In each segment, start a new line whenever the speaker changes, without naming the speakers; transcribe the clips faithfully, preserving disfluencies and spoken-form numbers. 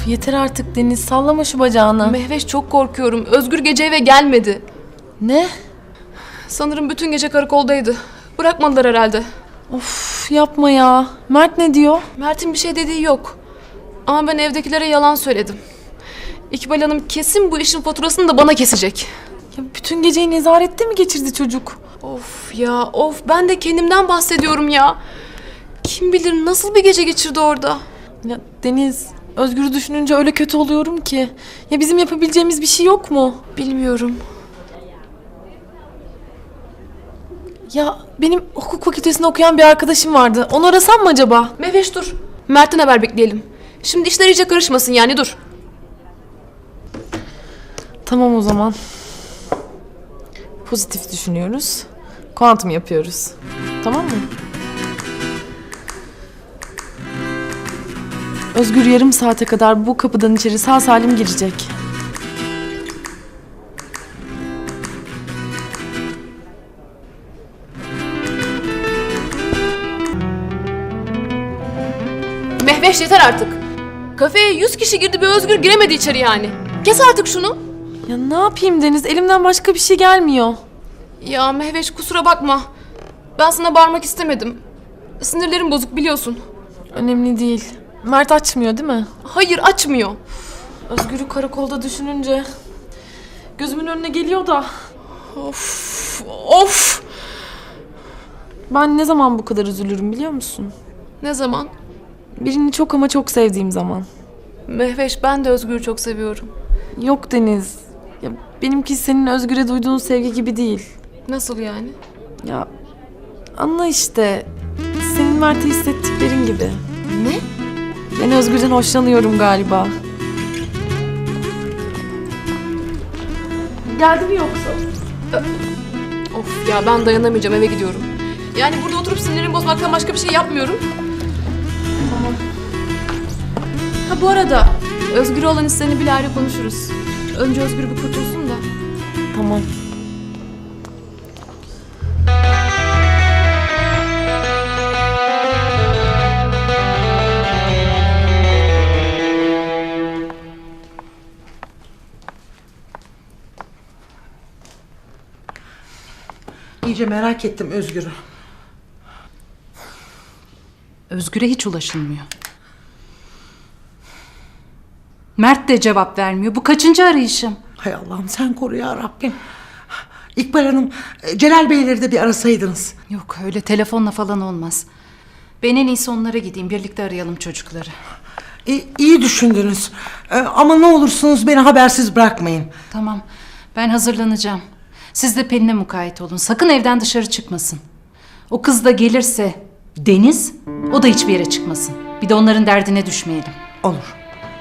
Yeter artık Deniz, sallama şu bacağını.
Mehveş, çok korkuyorum. Özgür gece eve gelmedi.
Ne?
Sanırım bütün gece karakoldaydı. Bırakmadılar herhalde.
Of, yapma ya. Mert ne diyor?
Mert'in bir şey dediği yok. Ama ben evdekilere yalan söyledim. İkbal Hanım kesin bu işin faturasını da bana kesecek.
Ya bütün geceyi nezarette mi geçirdi çocuk?
Of ya of, ben de kendimden bahsediyorum ya. Kim bilir nasıl bir gece geçirdi orada.
Ya Deniz, Özgür'ü düşününce öyle kötü oluyorum ki. Ya bizim yapabileceğimiz bir şey yok mu?
Bilmiyorum.
Ya benim hukuk fakültesinde okuyan bir arkadaşım vardı. Onu arasam mı acaba?
Mehveş dur. Mert'ten haber bekleyelim. Şimdi işler iyice karışmasın yani, dur.
Tamam o zaman. Pozitif düşünüyoruz. Kuantum yapıyoruz. Tamam mı? Özgür yarım saate kadar bu kapıdan içeri sağ salim girecek.
Mehveş, yeter artık. Kafeye yüz kişi girdi, bir Özgür giremedi içeri yani. Kes artık şunu.
Ya ne yapayım Deniz? Elimden başka bir şey gelmiyor.
Ya Mehveş, kusura bakma. Ben sana bağırmak istemedim. Sinirlerim bozuk, biliyorsun.
Önemli değil. Mert açmıyor değil mi?
Hayır, açmıyor.
Özgür'ü karakolda düşününce gözümün önüne geliyor da.
Of, of.
Ben ne zaman bu kadar üzülürüm biliyor musun?
Ne zaman?
Birini çok ama çok sevdiğim zaman.
Mehveş, ben de Özgür'ü çok seviyorum.
Yok Deniz. Ya benimki senin Özgür'e duyduğun sevgi gibi değil.
Nasıl yani?
Ya anla işte. Senin Mert'e hissettiklerin gibi.
Ne?
Ben Özgür'den hoşlanıyorum galiba. Geldi mi yoksa?
Of ya, ben dayanamayacağım, eve gidiyorum. Yani burada oturup sinirlerimi bozmaktan başka bir şey yapmıyorum.
Tamam.
Ha, bu arada Özgür'e olan hislerini bile ayrı konuşuruz. Önce Özgür bir kurtulsun da.
Tamam.
İyice merak ettim Özgür'ü.
Özgür'e hiç ulaşılmıyor. Mert de cevap vermiyor. Bu kaçıncı arayışım?
Hay Allah'ım sen koru ya Rabbim. İkbal Hanım, Celal Beyleri de bir arasaydınız.
Yok, öyle telefonla falan olmaz. Ben en iyisi onlara gideyim. Birlikte arayalım çocukları.
İyi, iyi düşündünüz. Ee, ama ne olursunuz beni habersiz bırakmayın.
Tamam, ben hazırlanacağım. Siz de Pelin'e mukayyet olun. Sakın evden dışarı çıkmasın. O kız da gelirse Deniz, o da hiçbir yere çıkmasın. Bir de onların derdine düşmeyelim.
Olur.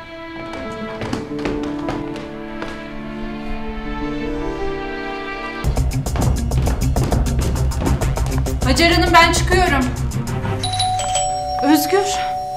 Hacer Hanım, ben çıkıyorum. Özgür.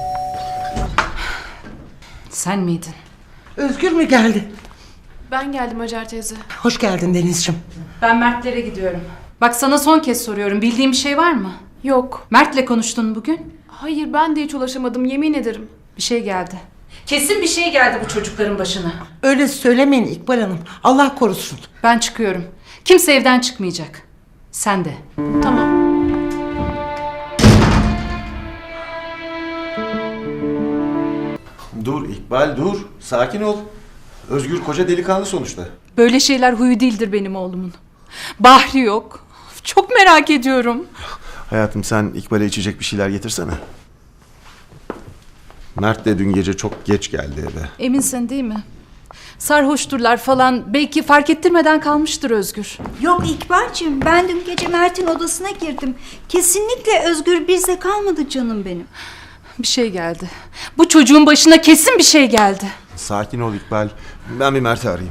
Sen miydin?
Özgür mü geldi?
Ben geldim Hacer teyze.
Hoş geldin Denizciğim.
Ben Mert'lere gidiyorum. Bak, sana son kez soruyorum. Bildiğin bir şey var mı?
Yok.
Mert'le konuştun bugün.
Hayır, ben de hiç ulaşamadım, yemin ederim.
Bir şey geldi. Kesin bir şey geldi bu çocukların başına.
Öyle söylemeyin İkbal Hanım. Allah korusun.
Ben çıkıyorum. Kimse evden çıkmayacak. Sen de.
Tamam.
Dur İkbal, dur. Sakin ol. Özgür koca delikanlı sonuçta.
Böyle şeyler huyu değildir benim oğlumun. Bahri yok. Çok merak ediyorum.
Hayatım, sen İkbal'e içecek bir şeyler getirsene. Mert de dün gece çok geç geldi eve.
Eminsin değil mi? Sarhoşturlar falan. Belki fark ettirmeden kalmıştır Özgür.
Yok İkbal'cığım, ben dün gece Mert'in odasına girdim. Kesinlikle Özgür bizde kalmadı canım benim.
Bir şey geldi. Bu çocuğun başına kesin bir şey geldi.
Sakin ol İkbal. Ben bir Mert'i arayayım.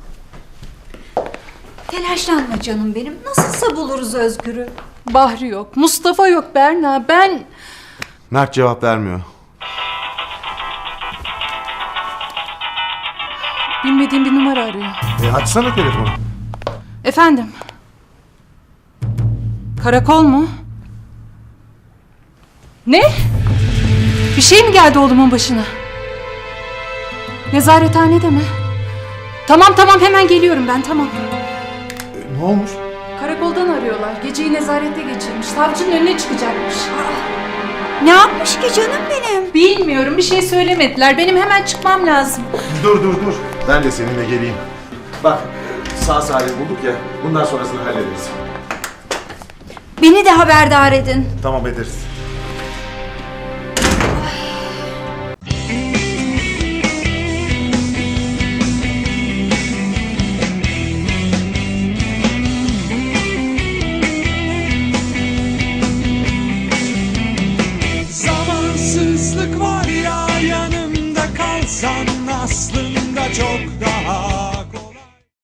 Telaşlanma canım benim. Nasılsa buluruz Özgür'ü.
Bahri yok. Mustafa yok Berna. Ben...
Mert cevap vermiyor.
Bilmediğim bir numara arıyor.
E açsana telefonu.
Efendim? Karakol mu? Ne? Bir şey mi geldi oğlumun başına? Nezarethanede mi? Tamam tamam hemen geliyorum ben tamam.
E, ne olmuş?
Karakoldan arıyorlar. Geceyi nezarette geçirmiş. Savcının önüne çıkacakmış.
Ne yapmış ki canım benim?
Bilmiyorum bir şey söylemediler. Benim hemen çıkmam lazım.
Dur dur dur. Ben de seninle geleyim. Bak sağ salim bulduk ya. Bundan sonrasını hallederiz.
Beni de haberdar edin.
Tamam ederiz.